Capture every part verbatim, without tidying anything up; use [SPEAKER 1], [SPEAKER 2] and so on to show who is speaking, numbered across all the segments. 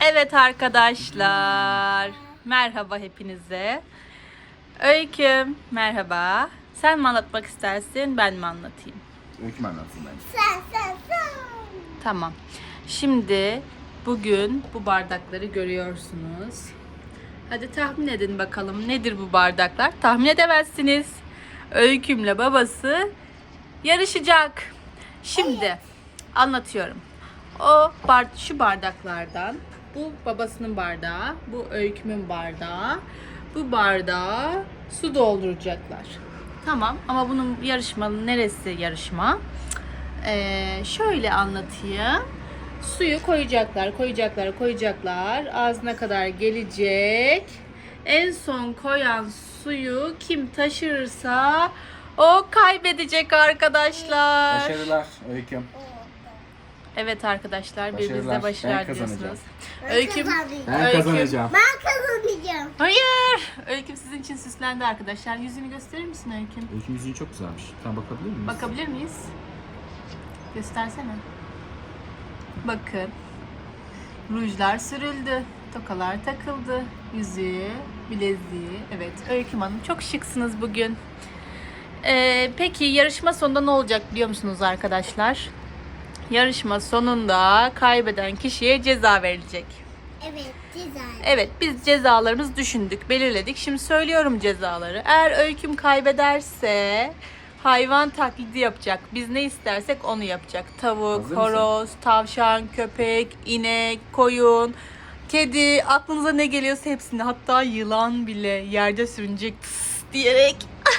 [SPEAKER 1] Evet arkadaşlar, merhaba hepinize. Öyküm, merhaba. Sen mi anlatmak istersin, ben mi anlatayım?
[SPEAKER 2] Öyküm anlatsın bence.
[SPEAKER 3] Sen sen sen.
[SPEAKER 1] Tamam. Şimdi bugün bu bardakları görüyorsunuz. Hadi tahmin edin bakalım nedir bu bardaklar? Tahmin edemezsiniz. Öykümle babası yarışacak. Şimdi anlatıyorum. O bar şu bardaklardan, bu babasının bardağı, bu Öyküm'ün bardağı, bu bardağa su dolduracaklar. Tamam ama bunun yarışmanın neresi yarışma? Ee, şöyle anlatayım. Suyu koyacaklar, koyacaklar, koyacaklar. Ağzına kadar gelecek. En son koyan suyu kim taşırırsa o kaybedecek arkadaşlar.
[SPEAKER 2] Başarılar Öyküm.
[SPEAKER 1] Evet arkadaşlar,
[SPEAKER 2] Başarılar.
[SPEAKER 1] birbirinizle başarılar
[SPEAKER 2] Ben kazanacağım.
[SPEAKER 1] diliyorsunuz.
[SPEAKER 3] Ben
[SPEAKER 1] Öyküm,
[SPEAKER 3] kazanacağım.
[SPEAKER 2] Ben
[SPEAKER 1] Öyküm.
[SPEAKER 2] kazanacağım.
[SPEAKER 3] Ben kazanacağım.
[SPEAKER 1] hayır. Öyküm sizin için süslendi arkadaşlar. Yüzünü gösterir misin Öyküm?
[SPEAKER 2] Öyküm yüzüğü çok güzelmiş. Tamam, bakabilir miyiz?
[SPEAKER 1] Bakabilir miyiz? Göstersene. Bakın. Rujlar sürüldü. Tokalar takıldı. Yüzüğü, bileziği. Evet, Öyküm Hanım çok şıksınız bugün. Ee, peki yarışma sonunda ne olacak biliyor musunuz arkadaşlar? Yarışma sonunda kaybeden kişiye ceza verilecek.
[SPEAKER 3] Evet güzel.
[SPEAKER 1] Evet, biz cezalarımızı düşündük, belirledik. Şimdi söylüyorum cezaları. Eğer Öyküm kaybederse hayvan taklidi yapacak. Biz ne istersek onu yapacak. Tavuk,
[SPEAKER 2] Hazır
[SPEAKER 1] horoz, tavşan, köpek, inek, koyun, kedi, aklınıza ne geliyorsa hepsini. Hatta yılan bile yerde sürünecek tıs diyerek.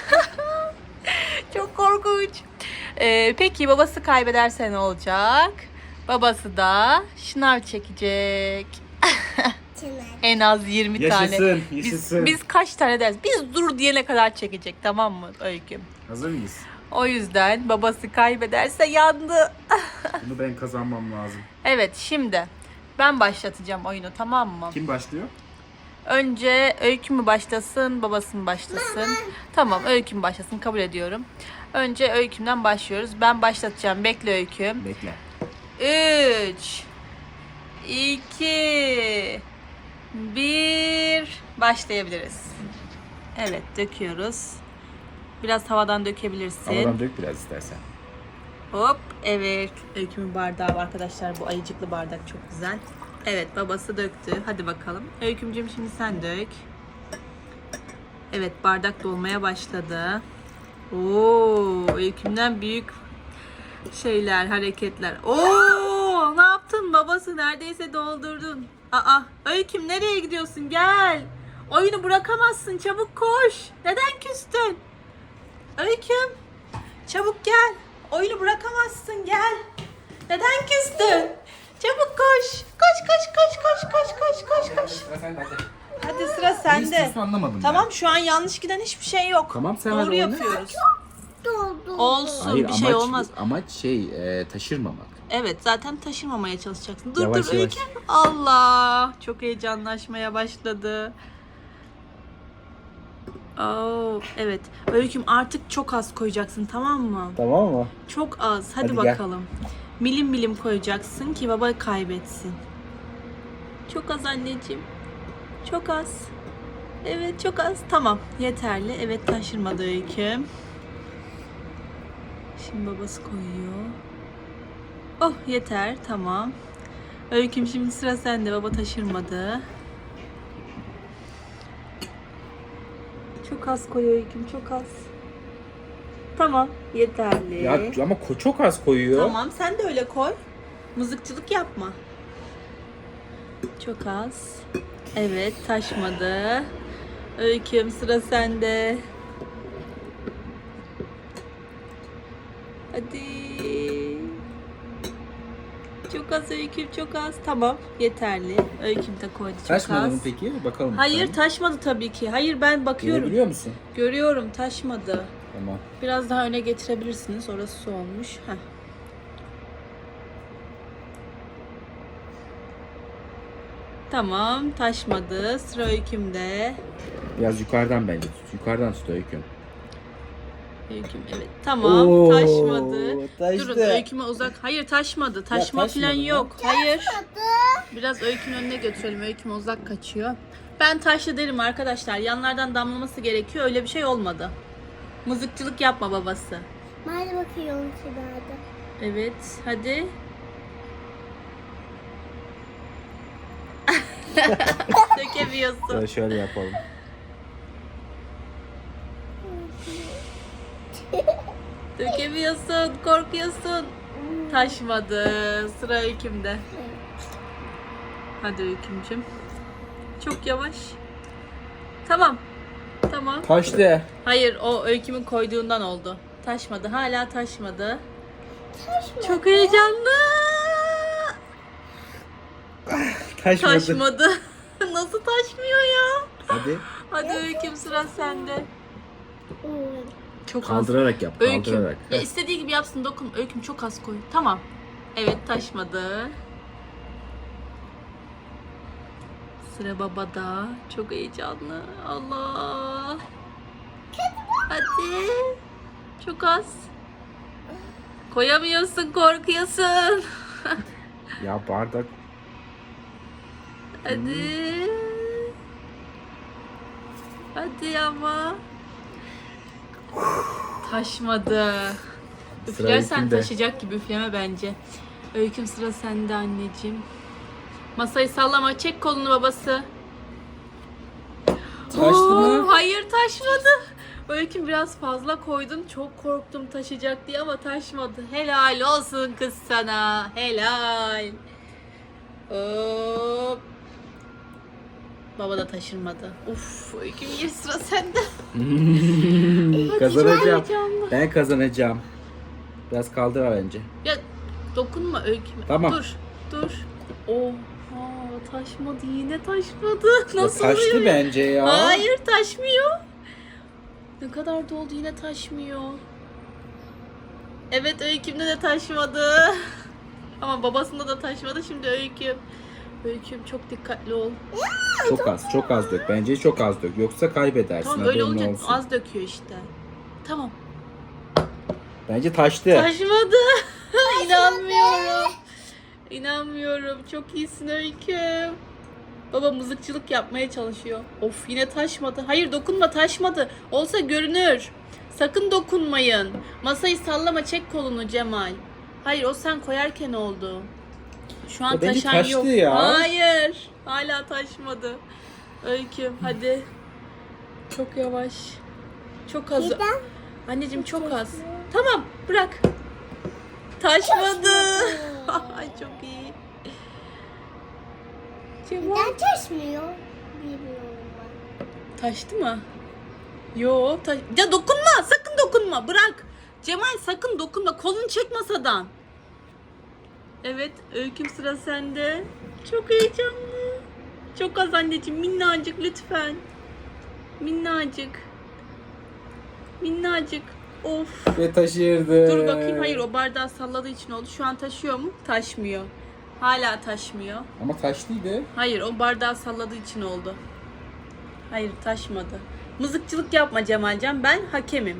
[SPEAKER 1] Çok korkunç. Ee, peki babası kaybederse ne olacak? Babası da şınav çekecek.
[SPEAKER 3] Çınar.
[SPEAKER 1] En az yirmi
[SPEAKER 2] Yaşasın,
[SPEAKER 1] tane.
[SPEAKER 2] yaşasın.
[SPEAKER 1] Biz, biz kaç tane deriz? Biz dur diyene kadar çekecek, tamam mı Öyküm?
[SPEAKER 2] Hazır mıyız?
[SPEAKER 1] O yüzden babası kaybederse yandı.
[SPEAKER 2] Bunu ben kazanmam lazım.
[SPEAKER 1] Evet, şimdi ben başlatacağım oyunu, tamam mı?
[SPEAKER 2] Kim başlıyor?
[SPEAKER 1] Önce Öykü mü başlasın, babası mı başlasın? Tamam, Öykü mü başlasın, kabul ediyorum. Önce Öyküm'den başlıyoruz. Ben başlatacağım. Bekle Öyküm.
[SPEAKER 2] Bekle.
[SPEAKER 1] üç iki bir Başlayabiliriz. Evet, döküyoruz. Biraz havadan dökebilirsin.
[SPEAKER 2] Havadan dök biraz istersen.
[SPEAKER 1] Hop, evet. Öykümün bardağı var arkadaşlar. Bu ayıcıklı bardak çok güzel. Evet, babası döktü. Hadi bakalım. Öykümcüğüm şimdi sen dök. Evet, bardak dolmaya başladı. Oo, Öykümden büyük şeyler, hareketler. Oo, ne yaptın babası? Neredeyse doldurdun. Aa, Öyküm nereye gidiyorsun? Gel. Oyunu bırakamazsın. Çabuk koş. Neden küstün? Öyküm, çabuk gel. Oyunu bırakamazsın. Gel. Neden küstün? Çabuk koş. Koş koş koş koş koş koş koş koş.
[SPEAKER 2] Sıra sende hadi.
[SPEAKER 1] Hadi sıra sende.
[SPEAKER 2] istiyorsun anlamadım
[SPEAKER 1] Tamam,
[SPEAKER 2] ben.
[SPEAKER 1] şu an yanlış giden hiçbir şey yok.
[SPEAKER 2] Tamam, sen
[SPEAKER 1] Doğru
[SPEAKER 2] hadi oyna.
[SPEAKER 1] yapıyoruz.
[SPEAKER 3] Doldu.
[SPEAKER 1] Olsun,
[SPEAKER 2] Hayır,
[SPEAKER 1] bir şey
[SPEAKER 2] amaç,
[SPEAKER 1] olmaz.
[SPEAKER 2] amaç şey e, taşırmamak.
[SPEAKER 1] Evet, zaten taşırmamaya çalışacaksın. Dur
[SPEAKER 2] Yavaş,
[SPEAKER 1] dur
[SPEAKER 2] yavaş.
[SPEAKER 1] Öykü. Allah, çok heyecanlaşmaya başladı. Oo, evet. Öyküm artık çok az koyacaksın, tamam mı?
[SPEAKER 2] Tamam mı?
[SPEAKER 1] Çok az. Hadi,
[SPEAKER 2] Hadi gel.
[SPEAKER 1] bakalım. Milim milim koyacaksın ki baba kaybetsin. Çok az anneciğim. Çok az. Evet, çok az. Tamam, yeterli. Evet, taşırmadı Öyküm. Şimdi babası koyuyor. Oh, yeter. Tamam. Öyküm şimdi sıra sende. Baba taşırmadı. Çok az koy Öyküm, çok az. Tamam, yeterli.
[SPEAKER 2] Ya ama ko- çok az koyuyor.
[SPEAKER 1] Tamam, sen de öyle koy. Mızıkçılık yapma. Çok az. Evet, taşmadı. Öyküm sıra sende. Hadi. Çok az Öyküm, çok az. Tamam, yeterli. Öyküm de koydu çok
[SPEAKER 2] Taşmadı
[SPEAKER 1] az.
[SPEAKER 2] mı peki? Bakalım.
[SPEAKER 1] Hayır, taşmadı tabii ki. Hayır, ben bakıyorum.
[SPEAKER 2] Biliyor musun?
[SPEAKER 1] Görüyorum, taşmadı.
[SPEAKER 2] Tamam.
[SPEAKER 1] Biraz daha öne getirebilirsiniz. Orası su olmuş. Heh. Tamam, taşmadı. Sıra Öyküm'de.
[SPEAKER 2] Biraz yukarıdan bence tut. Yukarıdan tut Öyküm.
[SPEAKER 1] Öyküm evet. Tamam
[SPEAKER 2] Oo,
[SPEAKER 1] taşmadı.
[SPEAKER 2] taştı.
[SPEAKER 1] Durun öyküme uzak. Hayır taşmadı. Taşma
[SPEAKER 2] taşmadı
[SPEAKER 1] falan
[SPEAKER 2] mı?
[SPEAKER 1] yok. Hayır.
[SPEAKER 3] Tadı.
[SPEAKER 1] Biraz öykünün önüne götürelim. Öyküme uzak kaçıyor. Ben taşlı derim arkadaşlar. Yanlardan damlaması gerekiyor. Öyle bir şey olmadı. Mızıkçılık yapma babası.
[SPEAKER 3] Hadi bakıyorum şurada.
[SPEAKER 1] Evet hadi. Dökemiyorsun.
[SPEAKER 2] Şöyle, şöyle yapalım.
[SPEAKER 1] Dökemiyorsun. Korkuyorsun. Taşmadı. Sıra öykümde. Hadi öykümcüm. Çok yavaş. Tamam. Tamam.
[SPEAKER 2] Taştı.
[SPEAKER 1] Hayır o öykümün koyduğundan oldu. Taşmadı. Hala taşmadı. Çok heyecanlı.
[SPEAKER 2] Taşmadı.
[SPEAKER 1] Taşmadı. Nasıl taşmıyor ya?
[SPEAKER 2] Hadi.
[SPEAKER 1] Hadi öyküm sıra sende. Çok az.
[SPEAKER 2] Kaldırarak yap.
[SPEAKER 1] Öyküm.
[SPEAKER 2] Kaldırarak.
[SPEAKER 1] Ya istediği gibi yapsın dokun. Öyküm çok az koy. Tamam. Evet taşmadı. Sıra babada. Çok heyecanlı. Allah. Hadi. Çok az. Koyamıyorsun, korkuyorsun.
[SPEAKER 2] Ya bardak.
[SPEAKER 1] Hadi. Hadi ama. Taşmadı.
[SPEAKER 2] Sıra
[SPEAKER 1] Üflersen
[SPEAKER 2] öykümde.
[SPEAKER 1] taşıyacak gibi üfleme bence. Öyküm sıra sende anneciğim. Masayı sallama. Çek kolunu babası.
[SPEAKER 2] Taştı
[SPEAKER 1] Oo,
[SPEAKER 2] mı?
[SPEAKER 1] hayır taşmadı. Öyküm biraz fazla koydun. Çok korktum taşıyacak diye ama taşmadı. Helal olsun kız sana. Helal. Hop. Baba da taşırmadı. Uf, Öyküm bir sıra sende.
[SPEAKER 2] Kazanacağım.
[SPEAKER 1] çok heyecanlı.
[SPEAKER 2] Ben kazanacağım. Biraz kaldır bence.
[SPEAKER 1] Ya dokunma Öyküme.
[SPEAKER 2] Tamam.
[SPEAKER 1] Dur, dur. Oha, taşmadı yine taşmadı.
[SPEAKER 2] Ya
[SPEAKER 1] Nasıl
[SPEAKER 2] taştı
[SPEAKER 1] oluyor ya?
[SPEAKER 2] bence ya.
[SPEAKER 1] Hayır taşmıyor. Ne kadar doldu yine taşmıyor. Evet Öyküm'de de taşmadı. Ama babasında da taşmadı. Şimdi Öyküm. Öyküm çok dikkatli ol.
[SPEAKER 2] Çok az, çok az dök. Bence çok az dök. Yoksa kaybedersin.
[SPEAKER 1] Tamam öyle
[SPEAKER 2] haberin
[SPEAKER 1] olunca
[SPEAKER 2] olsun.
[SPEAKER 1] az döküyor işte. Tamam.
[SPEAKER 2] Bence taştı.
[SPEAKER 1] Taşmadı. İnanmıyorum. İnanmıyorum. Çok iyisin Öyküm. Baba mızıkçılık yapmaya çalışıyor. Of yine taşmadı. Hayır dokunma taşmadı. Olsa görünür. Sakın dokunmayın. Masayı sallama çek kolunu Cemal. Hayır o sen koyarken oldu. Şu an
[SPEAKER 2] Ya bence
[SPEAKER 1] taşan
[SPEAKER 2] taştı
[SPEAKER 1] yok.
[SPEAKER 2] ya.
[SPEAKER 1] Hayır. Hala taşmadı. Öyküm hadi. Çok yavaş. Çok az.
[SPEAKER 3] Neden?
[SPEAKER 1] Anneciğim çok az. Tamam bırak. Taşmadı. Ay çok iyi. Cemal.
[SPEAKER 3] Neden taşmıyor? Bilmiyorum ben.
[SPEAKER 1] Taştı mı? Yo, taş... Ya dokunma, sakın dokunma. Bırak. Cemal sakın dokunma. Kolunu çek masadan. Evet, Öyküm sıra sende. Çok heyecanlı. Çok az anneciğim, minnacık lütfen. Minnacık. Minnacık. Of.
[SPEAKER 2] Ve taşırdı.
[SPEAKER 1] Dur bakayım. Hayır, o bardağı salladığı için oldu. Şu an taşıyor mu? Taşmıyor. Hala taşmıyor.
[SPEAKER 2] Ama taşlıydı.
[SPEAKER 1] Hayır, o bardağı salladığı için oldu. Hayır, taşmadı. Mızıkçılık yapma Cemalcan, ben hakemim.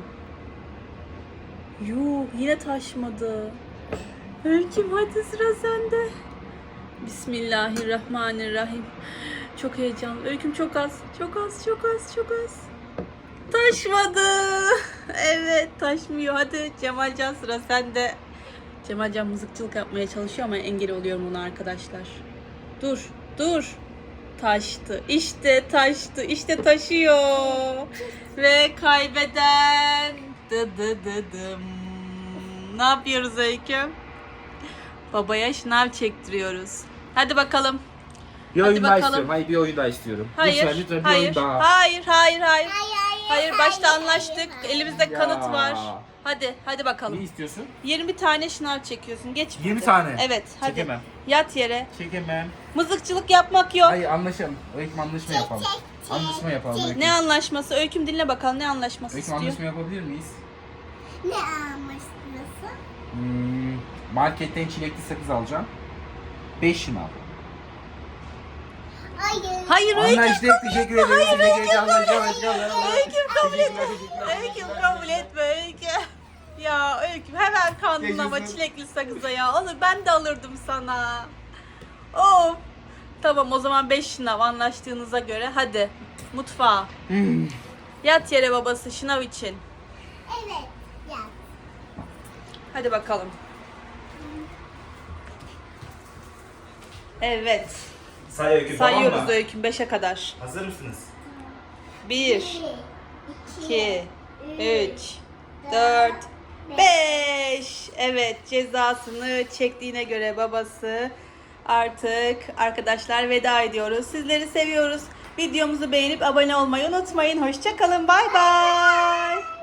[SPEAKER 1] Yuh, yine taşmadı. Öyküm hadi sıra sende. Bismillahirrahmanirrahim. Çok heyecanlı. Öyküm çok az, çok az, çok az, çok az. Taşmadı. Evet, taşmıyor. Hadi Cemalcan sıra sende. Cemalcan mızıkçılık yapmaya çalışıyor ama engel oluyorum ona arkadaşlar. Dur, dur. Taştı. İşte taştı. İşte taşıyor. Ve kaybeden dı dı dı dım. Ne yapıyoruz Öyküm? Babaya şınav çektiriyoruz. Hadi bakalım.
[SPEAKER 2] Bir
[SPEAKER 1] Hadi
[SPEAKER 2] oyun daha
[SPEAKER 1] bakalım.
[SPEAKER 2] istiyorum. Hayır bir oyun daha istiyorum.
[SPEAKER 1] Hayır.
[SPEAKER 2] Lütfen lütfen bir
[SPEAKER 1] hayır.
[SPEAKER 2] oyun daha.
[SPEAKER 1] Hayır, hayır, hayır.
[SPEAKER 3] Hayır, hayır,
[SPEAKER 1] Hayır, başta
[SPEAKER 3] hayır,
[SPEAKER 1] anlaştık.
[SPEAKER 3] hayır.
[SPEAKER 1] Elimizde
[SPEAKER 2] Ya.
[SPEAKER 1] kanıt var. Hadi, hadi
[SPEAKER 2] Ne
[SPEAKER 1] bakalım.
[SPEAKER 2] istiyorsun?
[SPEAKER 1] yirmi tane şınav çekiyorsun. Geç.
[SPEAKER 2] yirmi
[SPEAKER 1] hadi.
[SPEAKER 2] tane.
[SPEAKER 1] Evet, hadi.
[SPEAKER 2] Çekemem.
[SPEAKER 1] Yat yere.
[SPEAKER 2] Çekemem.
[SPEAKER 1] Mızıkçılık yapmak yok.
[SPEAKER 2] Hayır anlaşalım. Öyküm anlaşma yapalım.
[SPEAKER 3] çek,
[SPEAKER 2] Anlaşma yapalım Öyküm.
[SPEAKER 1] Ne anlaşması? Öyküm dinle bakalım ne anlaşması
[SPEAKER 2] Öyküm
[SPEAKER 1] istiyor.
[SPEAKER 2] anlaşma yapabilir miyiz?
[SPEAKER 3] Ne anlaşması?
[SPEAKER 2] Hmm, marketten çilekli sakız alacağım. beş şınav.
[SPEAKER 3] Hayır.
[SPEAKER 1] Hayır Öyküm.
[SPEAKER 4] Anlaştık. Teşekkür ederim.
[SPEAKER 1] Hayır,
[SPEAKER 4] Teşekkür
[SPEAKER 1] Öyküm
[SPEAKER 4] ederim. Anlaştık.
[SPEAKER 1] Öyküm kabul etme.
[SPEAKER 4] Teşekkürler,
[SPEAKER 1] Öyküm kabul etme Öyküm. Ya Öyküm hemen kandın ama
[SPEAKER 4] Yaşasın.
[SPEAKER 1] çilekli sakıza ya. Onu ben de alırdım sana. Of. Tamam o zaman beş şınav anlaştığınıza göre hadi mutfağa.
[SPEAKER 4] Hmm.
[SPEAKER 1] Yat yere babası şınav için.
[SPEAKER 3] Evet. Ya.
[SPEAKER 1] Hadi bakalım. Evet.
[SPEAKER 4] Say Öykü, tamam
[SPEAKER 1] Sayıyoruz
[SPEAKER 4] mı?
[SPEAKER 1] Öyküm beşe kadar.
[SPEAKER 4] Hazır mısınız?
[SPEAKER 1] bir,
[SPEAKER 3] Bir,
[SPEAKER 1] iki, üç, dört, beş. Evet cezasını çektiğine göre babası artık arkadaşlar veda ediyoruz. Sizleri seviyoruz. Videomuzu beğenip abone olmayı unutmayın. Hoşça kalın. Bay bay.